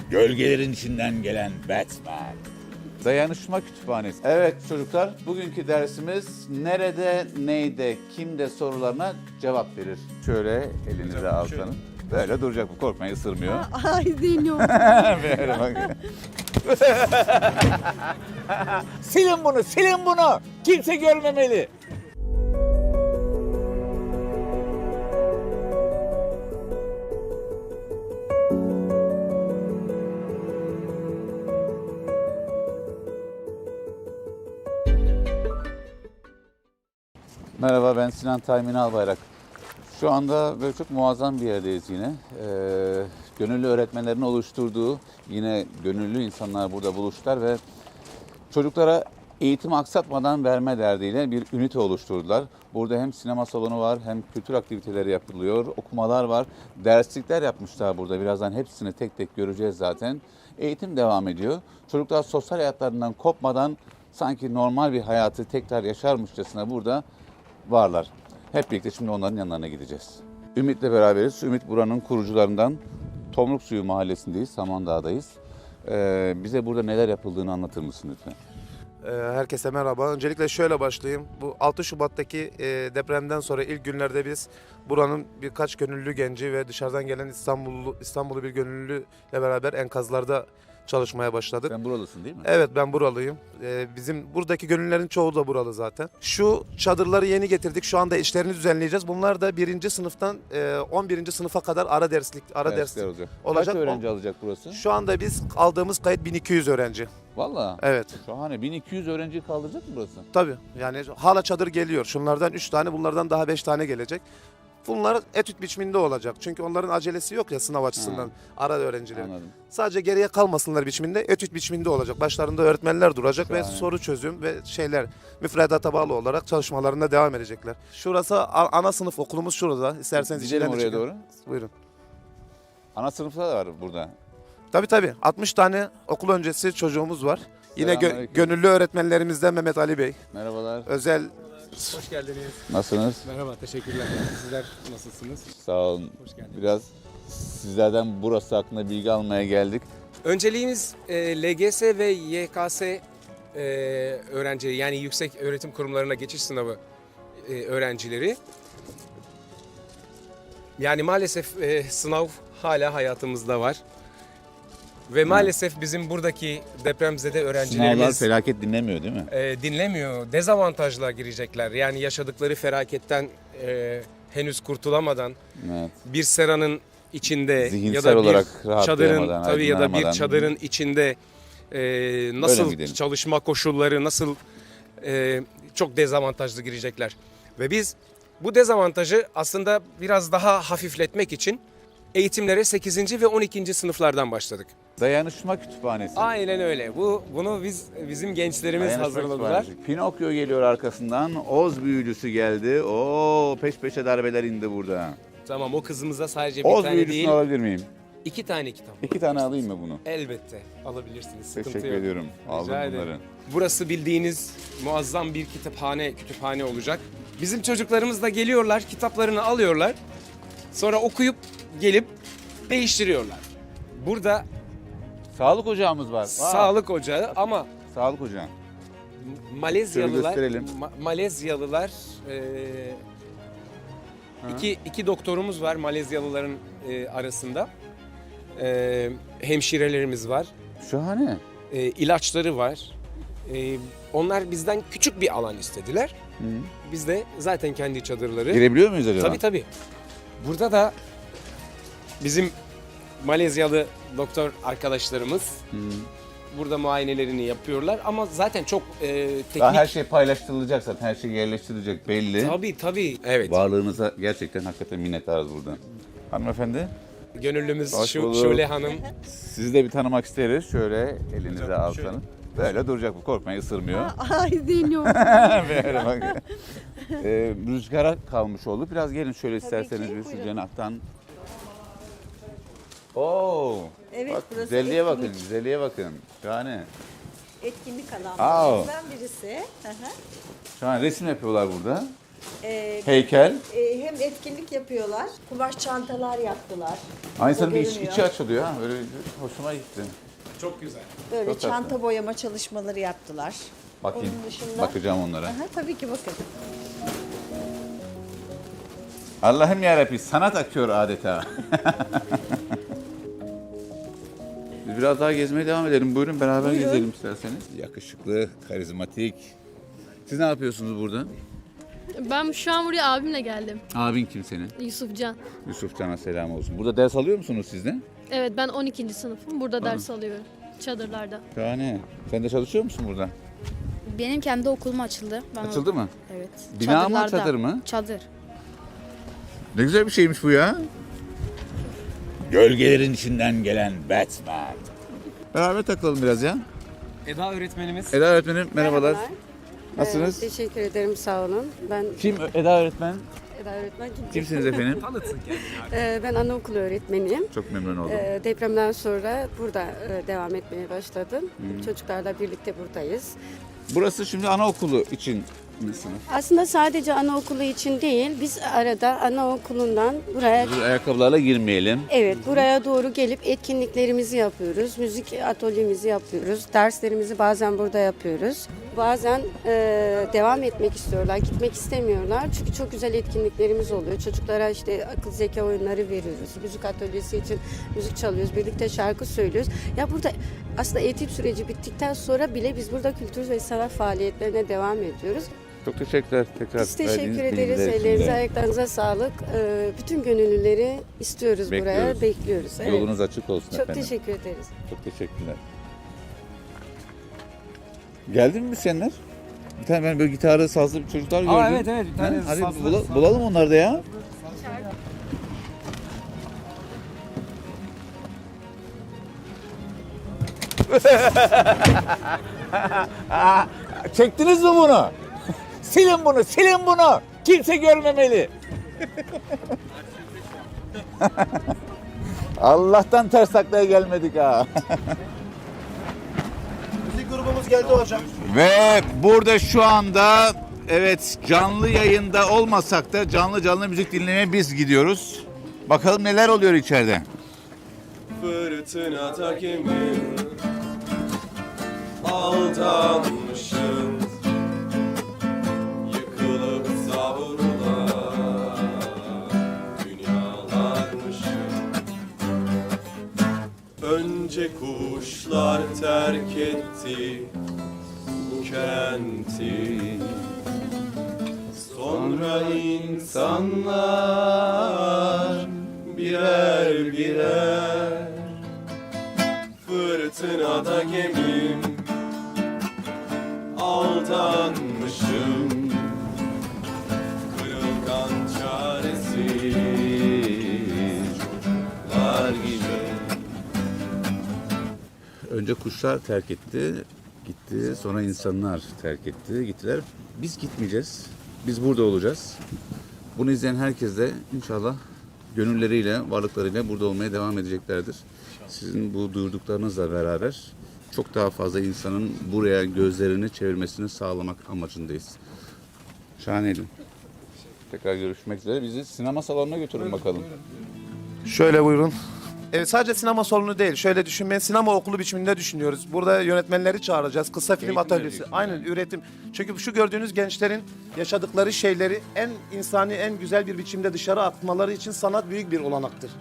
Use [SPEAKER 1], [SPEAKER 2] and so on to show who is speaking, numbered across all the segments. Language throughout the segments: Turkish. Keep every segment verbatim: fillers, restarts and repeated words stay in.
[SPEAKER 1] Gölgelerin içinden gelen Batman. Dayanışma Kütüphanesi. Evet çocuklar, bugünkü dersimiz nerede, neyde, kimde sorularına cevap verir. Şöyle elinize alsanız. Böyle duracak bu, korkmayın, ısırmıyor.
[SPEAKER 2] Ay deniyorum.
[SPEAKER 1] Böyle bak. Silin bunu, silin bunu. Kimse görmemeli. Merhaba, ben Sinan Taymin Albayrak. Şu anda böyle çok muazzam bir yerdeyiz yine. Ee, gönüllü öğretmenlerin oluşturduğu yine gönüllü insanlar burada buluştular ve çocuklara eğitim aksatmadan verme derdiyle bir ünite oluşturdular. Burada hem sinema salonu var, hem kültür aktiviteleri yapılıyor, okumalar var, derslikler yapmışlar burada. Birazdan hepsini tek tek göreceğiz zaten. Eğitim devam ediyor. Çocuklar sosyal hayatlarından kopmadan sanki normal bir hayatı tekrar yaşarmışçasına burada varlar. Hep birlikte şimdi onların yanlarına gideceğiz. Ümit'le beraberiz. Ümit buranın kurucularından. Tomruk Suyu Mahallesi'ndeyiz, Samandağ'dayız. Ee, bize burada neler yapıldığını anlatır mısın lütfen?
[SPEAKER 3] Herkese merhaba. Öncelikle şöyle başlayayım. Bu altı Şubat'taki depremden sonra ilk günlerde biz buranın birkaç gönüllü genci ve dışarıdan gelen İstanbullu İstanbullu bir gönüllüyle beraber enkazlarda çalışmaya başladık.
[SPEAKER 1] Sen buralısın değil mi?
[SPEAKER 3] Evet, ben buralıyım. Bizim buradaki gönüllülerin çoğu da buralı zaten. Şu çadırları yeni getirdik. Şu anda işlerini düzenleyeceğiz. Bunlar da birinci sınıftan on birinci sınıfa kadar ara derslik ara
[SPEAKER 1] Dersler
[SPEAKER 3] ders
[SPEAKER 1] olacak.
[SPEAKER 3] olacak.
[SPEAKER 1] Kaç öğrenci alacak burası?
[SPEAKER 3] Şu anda biz aldığımız kayıt bin iki yüz öğrenci.
[SPEAKER 1] Vallahi.
[SPEAKER 3] Evet.
[SPEAKER 1] Şahane. bin iki yüz öğrenci kaldıracak mı burası?
[SPEAKER 3] Tabii, yani hala çadır geliyor. Şunlardan üç tane, bunlardan daha beş tane gelecek. Bunlar etüt biçiminde olacak. Çünkü onların acelesi yok ya sınav açısından,
[SPEAKER 1] Ha.
[SPEAKER 3] ara öğrencilerin.
[SPEAKER 1] Anladım.
[SPEAKER 3] Sadece geriye kalmasınlar biçiminde, etüt biçiminde olacak. Başlarında öğretmenler duracak
[SPEAKER 1] Şahane.
[SPEAKER 3] ve soru çözüm ve şeyler müfredata bağlı olarak çalışmalarına devam edecekler. Şurası a- ana sınıf okulumuz şurada. İsterseniz
[SPEAKER 1] Gidelim
[SPEAKER 3] içinden de
[SPEAKER 1] oraya
[SPEAKER 3] çıkın.
[SPEAKER 1] doğru.
[SPEAKER 3] Buyurun.
[SPEAKER 1] Ana sınıflar da var burada.
[SPEAKER 3] Tabii tabii. altmış tane okul öncesi çocuğumuz var. Yine gö-
[SPEAKER 1] Selamünaleyküm.
[SPEAKER 3] gönüllü öğretmenlerimizden Mehmet Ali Bey.
[SPEAKER 1] Merhabalar.
[SPEAKER 3] Özel
[SPEAKER 4] Hoş geldiniz.
[SPEAKER 1] Nasılsınız?
[SPEAKER 4] Merhaba, teşekkürler. Sizler nasılsınız?
[SPEAKER 1] Sağ olun.
[SPEAKER 4] Hoş geldiniz.
[SPEAKER 1] Biraz sizlerden burası hakkında bilgi almaya geldik.
[SPEAKER 4] Önceliğimiz e, L G S ve Y K S e, öğrencileri, yani yüksek öğretim kurumlarına geçiş sınavı e, öğrencileri. Yani maalesef e, sınav hala hayatımızda var. Ve maalesef bizim buradaki depremzede
[SPEAKER 1] Sınavlar
[SPEAKER 4] öğrencilerimiz
[SPEAKER 1] felaket dinlemiyor değil mi?
[SPEAKER 4] e, dinlemiyor. Dezavantajla girecekler. Yani yaşadıkları felaketten e, henüz kurtulamadan
[SPEAKER 1] Evet.
[SPEAKER 4] bir seranın içinde ya
[SPEAKER 1] Zihinsel
[SPEAKER 4] da bir
[SPEAKER 1] olarak
[SPEAKER 4] çadırın
[SPEAKER 1] rahatlayamadan,
[SPEAKER 4] tabii ya da bir
[SPEAKER 1] aydınlanamadan.
[SPEAKER 4] çadırın içinde e,
[SPEAKER 1] Öyle mi
[SPEAKER 4] nasıl
[SPEAKER 1] gidelim?
[SPEAKER 4] çalışma koşulları, nasıl e, çok dezavantajlı girecekler. Ve biz bu dezavantajı aslında biraz daha hafifletmek için eğitimlere sekizinci ve on ikinci sınıflardan başladık.
[SPEAKER 1] Dayanışma Kütüphanesi.
[SPEAKER 4] Aynen öyle. Bu bunu biz bizim gençlerimiz
[SPEAKER 1] Dayanışma
[SPEAKER 4] hazırladılar.
[SPEAKER 1] Kütüphanesi. Pinokyo geliyor arkasından. Oz büyücüsü geldi. Oo, peş peşe darbeler indi burada.
[SPEAKER 4] Tamam, o kızımıza sadece bir
[SPEAKER 1] Oz
[SPEAKER 4] tane
[SPEAKER 1] büyücüsünü
[SPEAKER 4] değil,
[SPEAKER 1] alabilir miyim?
[SPEAKER 4] iki tane kitap.
[SPEAKER 1] İki tane alayım mı bunu?
[SPEAKER 4] Elbette alabilirsiniz. Sıkıntı
[SPEAKER 1] Teşekkür
[SPEAKER 4] yok.
[SPEAKER 1] ediyorum. Aldım
[SPEAKER 4] Rica ederim.
[SPEAKER 1] bunları.
[SPEAKER 4] Burası bildiğiniz muazzam bir kütüphane, kütüphane olacak. Bizim çocuklarımız da geliyorlar, kitaplarını alıyorlar. Sonra okuyup gelip değiştiriyorlar. Burada
[SPEAKER 1] Sağlık ocağımız var. Aa,
[SPEAKER 4] sağlık ocağı ama
[SPEAKER 1] Sağlık ocağı.
[SPEAKER 4] Malezyalılar,
[SPEAKER 1] Şöyle gösterelim.
[SPEAKER 4] Ma- Malezyalılar e, iki, iki doktorumuz var Malezyalıların e, arasında. E, hemşirelerimiz var.
[SPEAKER 1] Şahane.
[SPEAKER 4] E, ilaçları var. E, onlar bizden küçük bir alan istediler.
[SPEAKER 1] Hı.
[SPEAKER 4] Biz de zaten kendi çadırları.
[SPEAKER 1] Girebiliyor muyuz acaba?
[SPEAKER 4] Tabii tabii. Burada da bizim Malezyalı doktor arkadaşlarımız
[SPEAKER 1] Hı.
[SPEAKER 4] burada muayenelerini yapıyorlar ama zaten çok e, teknik.
[SPEAKER 1] Daha her şey paylaştırılacak zaten. Her şey yerleştirilecek belli.
[SPEAKER 4] Tabii tabii. Evet.
[SPEAKER 1] Varlığınıza gerçekten hakikaten minnettarız burada. Hanımefendi,
[SPEAKER 4] Gönüllümüz
[SPEAKER 1] Hoş
[SPEAKER 4] şu,
[SPEAKER 1] bulduk.
[SPEAKER 4] Şule Hanım.
[SPEAKER 1] sizi de bir tanımak isteriz. Şöyle elinize alsanız. Böyle duracak bu, korkmayın, ısırmıyor.
[SPEAKER 2] Ay deniyorum.
[SPEAKER 1] Böyle bak. Ee, rüzgara kalmış oldu. Biraz gelin şöyle isterseniz
[SPEAKER 2] ki,
[SPEAKER 1] bir şu
[SPEAKER 2] buyurun.
[SPEAKER 1] cenahtan. Oo.
[SPEAKER 2] Evet,
[SPEAKER 1] Bak,
[SPEAKER 2] burası
[SPEAKER 1] güzelliğe bakın,
[SPEAKER 2] etkinlik.
[SPEAKER 1] güzelliğe bakın. Şahane.
[SPEAKER 2] Etkinlik
[SPEAKER 1] Aa.
[SPEAKER 2] alanlarından birisi. Hı hı.
[SPEAKER 1] Şahane resim yapıyorlar burada.
[SPEAKER 5] Ee,
[SPEAKER 1] Heykel.
[SPEAKER 5] e, hem etkinlik yapıyorlar, kumaş çantalar yaptılar.
[SPEAKER 1] Aynı
[SPEAKER 5] O
[SPEAKER 1] zamanda iç,
[SPEAKER 5] görünüyor.
[SPEAKER 1] içi açılıyor ha. Böyle hoşuma gitti.
[SPEAKER 4] Çok güzel.
[SPEAKER 5] Böyle
[SPEAKER 1] Çok tatlı.
[SPEAKER 5] çanta boyama çalışmaları yaptılar.
[SPEAKER 1] Bakayım.
[SPEAKER 5] Onun dışında-
[SPEAKER 1] Bakacağım onlara.
[SPEAKER 5] Aha, tabii ki bakın.
[SPEAKER 1] Allah'ım yarabbim sanat akıyor adeta. Biz biraz daha gezmeye devam edelim. Buyurun beraber
[SPEAKER 5] Buyurun.
[SPEAKER 1] gezelim isterseniz. Yakışıklı, karizmatik. Siz ne yapıyorsunuz burada?
[SPEAKER 6] Ben şu an buraya abimle geldim.
[SPEAKER 1] Abin kim senin?
[SPEAKER 6] Yusufcan.
[SPEAKER 1] Yusuf Can'a selam olsun. Burada ders alıyor musunuz siz de?
[SPEAKER 6] Evet ben on ikinci sınıfım. Burada ders alıyorum. Çadırlarda.
[SPEAKER 1] Şahane. Sen de çalışıyor musun burada?
[SPEAKER 7] Benim kendi okulum açıldı. Ben
[SPEAKER 1] Açıldı mı?
[SPEAKER 7] Evet.
[SPEAKER 1] Bina mı,
[SPEAKER 7] Çadırlarda.
[SPEAKER 1] çadır mı?
[SPEAKER 7] Çadır.
[SPEAKER 1] Ne güzel bir şeymiş bu ya. Gölgelerin içinden gelen Batman. Beraber takılalım biraz ya.
[SPEAKER 4] Eda öğretmenimiz.
[SPEAKER 1] Eda öğretmenim merhabalar.
[SPEAKER 8] Merhabalar.
[SPEAKER 1] Nasılsınız?
[SPEAKER 8] Ee, teşekkür ederim, sağ olun. Ben
[SPEAKER 1] Kim Eda öğretmen?
[SPEAKER 8] Eda öğretmen. Kim?
[SPEAKER 1] Kimsiniz efendim?
[SPEAKER 4] Tanıtsın kendini.
[SPEAKER 8] Ee, ben anaokulu öğretmeniyim.
[SPEAKER 1] Çok memnun oldum.
[SPEAKER 8] Ee, depremden sonra burada e, devam etmeye başladım. Çocuklarla birlikte buradayız.
[SPEAKER 1] Burası şimdi anaokulu için bir sınıf.
[SPEAKER 8] Aslında sadece anaokulu için değil, biz arada anaokulundan buraya
[SPEAKER 1] Dur, ayakkabılarla girmeyelim.
[SPEAKER 8] evet buraya doğru gelip etkinliklerimizi yapıyoruz. Müzik atölyemizi yapıyoruz. Derslerimizi bazen burada yapıyoruz. Bazen e, devam etmek istiyorlar, gitmek istemiyorlar. Çünkü çok güzel etkinliklerimiz oluyor. Çocuklara işte akıl zeka oyunları veriyoruz. Müzik atölyesi için müzik çalıyoruz. Birlikte şarkı söylüyoruz. Ya burada aslında eğitim süreci bittikten sonra bile biz burada kültür ve sanat faaliyetlerine devam ediyoruz.
[SPEAKER 1] Çok teşekkürler tekrar.
[SPEAKER 8] Biz teşekkür
[SPEAKER 1] verdiğiniz
[SPEAKER 8] ederiz.
[SPEAKER 1] bilgiler için
[SPEAKER 8] Ellerinize,
[SPEAKER 1] de.
[SPEAKER 8] ayaklarınıza sağlık. Ee, bütün gönüllüleri istiyoruz buraya.
[SPEAKER 1] Bekliyoruz.
[SPEAKER 8] Bekliyoruz. Evet.
[SPEAKER 1] Yolunuz açık olsun
[SPEAKER 8] Çok
[SPEAKER 1] efendim.
[SPEAKER 8] teşekkür ederiz.
[SPEAKER 1] Çok teşekkürler. Geldi mi müzisyenler? Bir tane ben böyle gitarı, sazlı bir çocuklar gördüm.
[SPEAKER 4] Aa, evet, evet, bir tane
[SPEAKER 1] Ha, Hadi
[SPEAKER 4] sazlı-
[SPEAKER 1] bula-
[SPEAKER 4] sazlı.
[SPEAKER 1] bulalım onları da ya. Çektiniz mi bunu? Silin bunu, silin bunu. Kimse görmemeli. Allah'tan ters taklaya gelmedik ha.
[SPEAKER 3] Müzik grubumuz geldi hocam.
[SPEAKER 1] Ve burada şu anda evet canlı yayında olmasak da canlı canlı müzik dinlemeye biz gidiyoruz. Bakalım neler oluyor içeride.
[SPEAKER 9] Fırtına takimi aldanmışım, yıkılıp savrulan dünyalarmışım. Önce kuşlar terk etti bu kenti, sonra insanlar birer birer. Fırtınada gemim aldanmışım, kırılgan çaresiz çocuklar gibi.
[SPEAKER 1] Önce kuşlar terk etti, gitti. Sonra insanlar terk etti, gittiler. Biz gitmeyeceğiz. Biz burada olacağız. Bunu izleyen herkes de inşallah gönülleriyle, varlıklarıyla burada olmaya devam edeceklerdir. Sizin bu duyurduklarınızla beraber çok daha fazla insanın buraya gözlerini çevirmesini sağlamak amacındayız. Şahaneydi. Tekrar görüşmek üzere. Bizi sinema salonuna götürün bakalım.
[SPEAKER 3] Şöyle buyurun. Evet, sadece sinema salonu değil. Şöyle düşünmeyin. Sinema okulu biçiminde düşünüyoruz. Burada yönetmenleri çağıracağız. Kısa film
[SPEAKER 1] Eğitim
[SPEAKER 3] atölyesi.
[SPEAKER 1] vereceksin.
[SPEAKER 3] Aynen, üretim. Çünkü şu gördüğünüz gençlerin yaşadıkları şeyleri en insani, en güzel bir biçimde dışarı atmaları için sanat büyük bir olanaktır.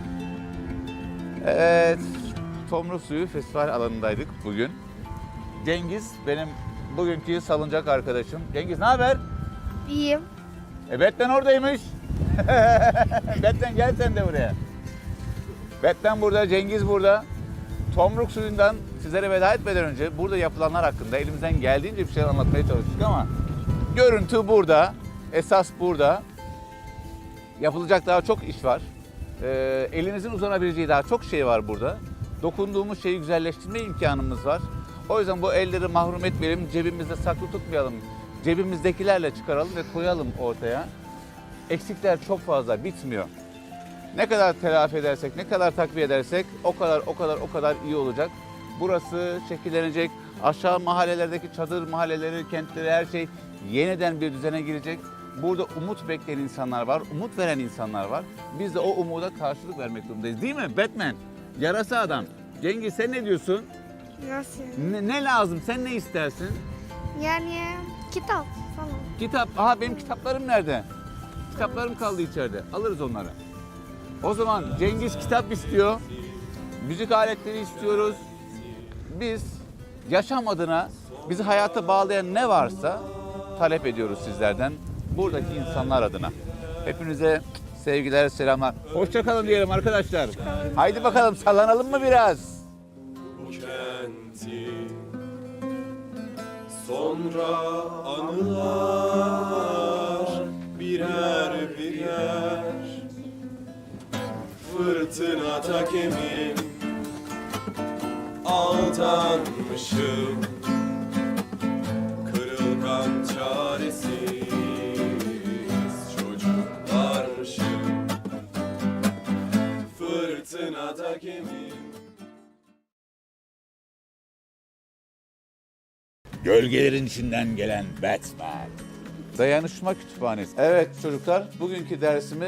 [SPEAKER 1] Evet, Tomruk Suyu Festival alanındaydık bugün. Cengiz benim bugünkü salıncak arkadaşım. Cengiz ne haber?
[SPEAKER 7] İyiyim.
[SPEAKER 1] E Batman oradaymış. Batman gel sen de buraya. Batman burada, Cengiz burada. Tomruk Suyu'ndan sizlere veda etmeden önce burada yapılanlar hakkında elimizden geldiğince bir şeyler anlatmaya çalıştık ama görüntü burada, esas burada. Yapılacak daha çok iş var. Ee, elimizin uzanabileceği daha çok şey var burada. Dokunduğumuz şeyi güzelleştirme imkanımız var. O yüzden bu elleri mahrum etmeyelim, cebimizde saklı tutmayalım. Cebimizdekilerle çıkaralım ve koyalım ortaya. Eksikler çok fazla, bitmiyor. Ne kadar telafi edersek, ne kadar takviye edersek o kadar o kadar o kadar iyi olacak. Burası şekillenecek. Aşağı mahallelerdeki çadır mahalleleri, kentleri, her şey yeniden bir düzene girecek. Burada umut bekleyen insanlar var, umut veren insanlar var. Biz de o umuda karşılık vermek durumundayız. Değil mi Batman? Yarasa adam. Cengiz sen ne diyorsun?
[SPEAKER 7] Nasıl?
[SPEAKER 1] Ne, ne lazım? Sen ne istersin?
[SPEAKER 7] Yani kitap falan.
[SPEAKER 1] Kitap. Aha benim kitaplarım nerede? Kitaplarım kaldı içeride. Alırız onları. O zaman Cengiz kitap istiyor. Müzik aletleri istiyoruz. Biz yaşam adına bizi hayata bağlayan ne varsa talep ediyoruz sizlerden. Buradaki insanlar adına. Hepinize sevgiler, selamlar. Hoşça kalın diyelim arkadaşlar. Haydi bakalım sallanalım mı biraz?
[SPEAKER 9] Bu kenti sonra anılar birer birer fırtına takemim aldanmışım kırılgan çaresiz çocuklarmışım fırtına takemim.
[SPEAKER 1] Gölgelerin içinden gelen Batman. Dayanışma Kütüphanesi. Evet çocuklar, bugünkü dersimiz